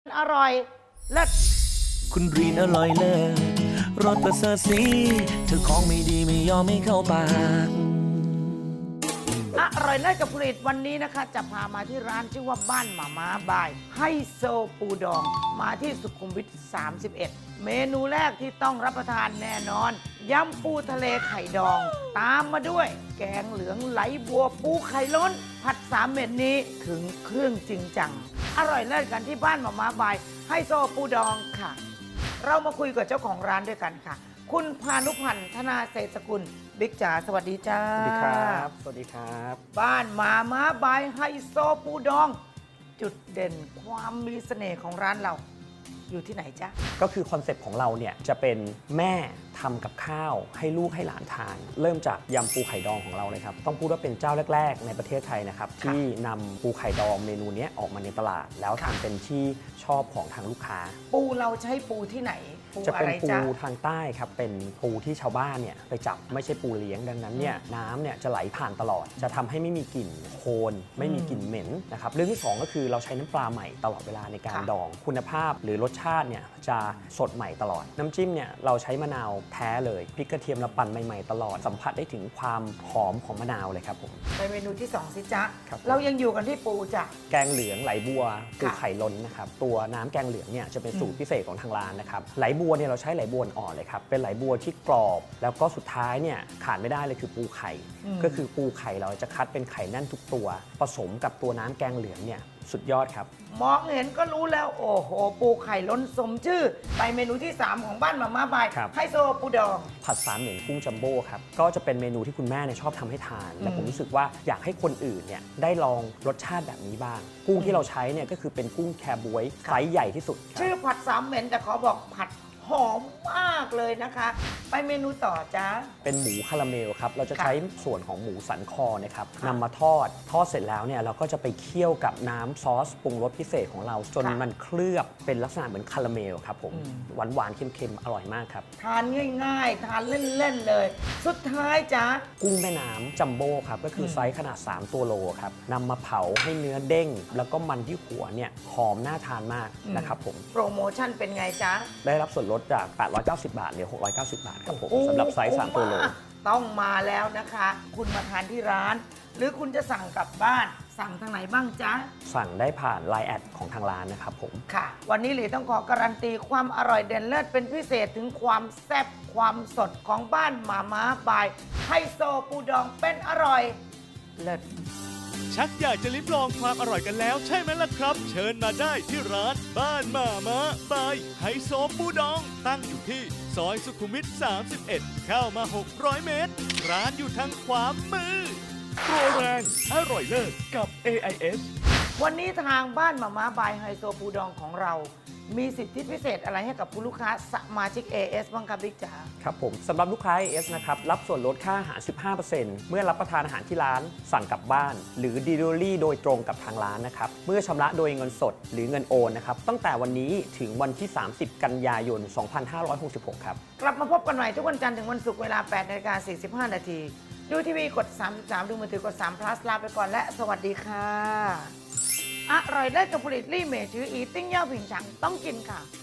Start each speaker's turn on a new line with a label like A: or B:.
A: อร่อยเลิศ
B: คุณรีนอร่อยเลิศรสประเสริฐสีเธอของไม่ดีไม่ยอมไม่เข้าปาก
A: อร่อยเลิศกับผลิตวันนี้นะคะจะพามาที่ร้านชื่อว่าบ้านหม่าม้าบายไฮโซปูดองมาที่สุขุมวิท 31 เมนูแรกที่ต้องรับประทานแน่นอนยำปูทะเลไข่ดอง ตามมาด้วยแกงเหลืองไหลบัวปูไข่ล้น ผัด3 เม็ดนี้ถึงเครื่องจริงจังอร่อยเลิศกันที่บ้านหม่าม้าบายไฮโซปูดองค่ะ เรามาคุยกับเจ้าของร้านด้วยกันค่ะ คุณพานุพันธ์ธนาเศรษฐกุลบิ๊กจ๋าสวัสดีจ้า
C: สวัสดีครับ สวัสดีครับ
A: บ้านหมาม้าบายไฮโซปูดอง จุดเด่นความมีเสน่ห์ของร้านเรา อยู่ที่ไหนจ๊ะ
C: ก็คือคอนเซปต์ของเราเนี่ยจะเป็นแม่ทำกับข้าวให้ลูกให้หลานทาน เริ่มจากยำปูไข่ดองของเราเลยครับ ต้องพูดว่าเป็นเจ้าแรกๆ ในประเทศไทยนะครับ ที่นำปูไข่ดองเมนูนี้ออกมาในตลาด แล้วทำเป็นที่ชอบของทางลูกค้า
A: ปูเราใช้ปูที่ไหน ปู
C: จะ
A: อะ
C: เป็น
A: ไร
C: ปู
A: จ๊ะ
C: ทางใต้ครับ เป็นปูที่ชาวบ้านเนี่ยไปจับไม่ใช่ปูเลี้ยงดังนั้นเนี่ยน้ำเนี่ยจะไหลผ่านตลอด จะทำให้ไม่มีกลิ่นโคลนไม่มีกลิ่นเหม็นนะครับเรื่องที่สองก็คือเราใช้น้ำปลาใหม่ตลอดเวลาในการดอง คุณภาพหรือรสชาติเนี่ยจะสดใหม่ตลอด น้ำจิ้มเนี่ยเราใช้มะนาวแท้เลยพริกกระเทียมเราปั่นใหม่ๆตลอดสัมผัสได้ถึงความหอมของมะนาวเลยครับผม
A: ไปเมนูที่2สิจ๊ะ
C: ครับ
A: เรายังอยู่กันที่ปูจ้ะ
C: แกงเหลืองไหลบัวปู
A: ค่ะ
C: ไข่ล้นนะครับตัวน้ำแกงเหลืองเนี่ยจะเป็นสูตรพิเศษของทางร้านนะครับไหลบัวเนี่ยเราใช้ไหลบัวอ่อนเลยครับเป็นไหลบัวที่กรอบ แล้วก็สุดท้ายเนี่ยขาดไม่ได้เลยคือปูไข่ ก็คือปูไข่เราจะคัดเป็นไข่แน่นทุกตัว ผสมกับตัวน้ำแกงเหลืองเนี่ยสุดยอดครับ
A: มองเห็นก็รู้แล้ว โอ้โห ปูไข่ล้นสมชื่อ ไปเมนูที่ 3 ของบ้านหมาม้าบาย
C: ครับ
A: ไฮโซปูดอง
C: ผัดสามเหม็นกุ้งจัมโบ้ครับก็จะเป็นเมนูที่คุณแม่เนี่ยชอบทำให้ทาน และผมรู้สึกว่าอยากให้คนอื่นเนี่ยได้ลองรสชาติแบบนี้บ้าง กุ้งที่เราใช้เนี่ยก็คือเป็นกุ้งแคบวยไซส์ใหญ่ที่สุดครับ
A: ชื่อผัด3 เหม็นแต่ขอบอกผัดหอมมากเลยนะคะ ไปเมนูต่อจ้า
C: เป็นหมูคาราเมลครับ เราจะ
A: ค่ะ
C: ใช้ส่วนของหมูสันคอนะครับนำมาทอดเสร็จแล้วเนี่ยเราก็จะไปเคี่ยวกับน้ำซอสปรุงรสพิเศษของเรา จนมันเคลือบเป็นลักษณะเหมือนคาราเมลครับผม หวานๆ เค็มๆ อร่อยมากครับ
A: ทานง่ายๆ ทานเล่นๆ เลย สุดท้ายจ้า
C: กุ้งแม่น้ำจัมโบ้ครับ ก็คือไซส์ขนาด 3 ตัวโลครับนำมาเผาให้เนื้อเด้ง แล้วก็มันที่หัวเนี่ยหอมน่าทานมากนะครับผม
A: โปรโมชั่นเป็นไงจ๊ะ
C: ได้รับส่วนลดจาก 890 บาทเหลือ 690 บาทครับผมสำหรับไซส์ 3 ตัวโล
A: ต้องมาแล้วนะคะ คุณมาทานที่ร้าน หรือคุณจะสั่งกลับบ้าน สั่งทางไหนบ้างจ๊ะ
C: สั่งได้ผ่าน Line แอดของทางร้านนะครับผม
A: ค่ะ วันนี้หลีต้องขอการันตีความอร่อยเด่นเลิศเป็นพิเศษถึงความแซ่บความสดของบ้านหมาม้าบายไฮโซปูดองเป็นอร่อยเลิศ
D: ชักอยากจะลิ้มลองความอร่อยกันแล้วใช่ไหมล่ะครับ เชิญมาได้ที่ร้านบ้านหมาม้าบายไฮโซปูดอง ตั้งอยู่ที่ซอยสุขุมวิท 31 เข้ามา 600 เมตร ร้านอยู่ทางขวามือ โปรแรงอร่อยเลิศกับ AIS
A: วันนี้ทางบ้านหมาม้าบายไฮโซปูดองของเรา มีสิทธิพิเศษอะไรให้กับผู้ลูกค้าสมาชิก AS บ้างครับบิ๊กจ๋า
C: ครับผมสำหรับลูกค้า AS นะครับรับส่วนลดค่าอาหาร 15% เมื่อรับประทานอาหารที่ร้านสั่งกลับบ้าน หรือ Delivery โดยตรงกับทางร้านนะครับเมื่อชำระโดยเงินสดหรือเงินโอนนะครับตั้งแต่วันนี้ถึงวันที่ 30 กันยายน 2566 ครับ
A: กลับมาพบกันใหม่ทุกวันจันทร์ถึงวันศุกร์เวลา 8:45 นาทีดูทีวีกด 33 ดูมือถือกด3 plus ลาไปก่อนและสวัสดีค่ะ อร่อยได้กับผลิตลี่เมจืออีติ้งเย่าผิงฉังต้องกินค่ะ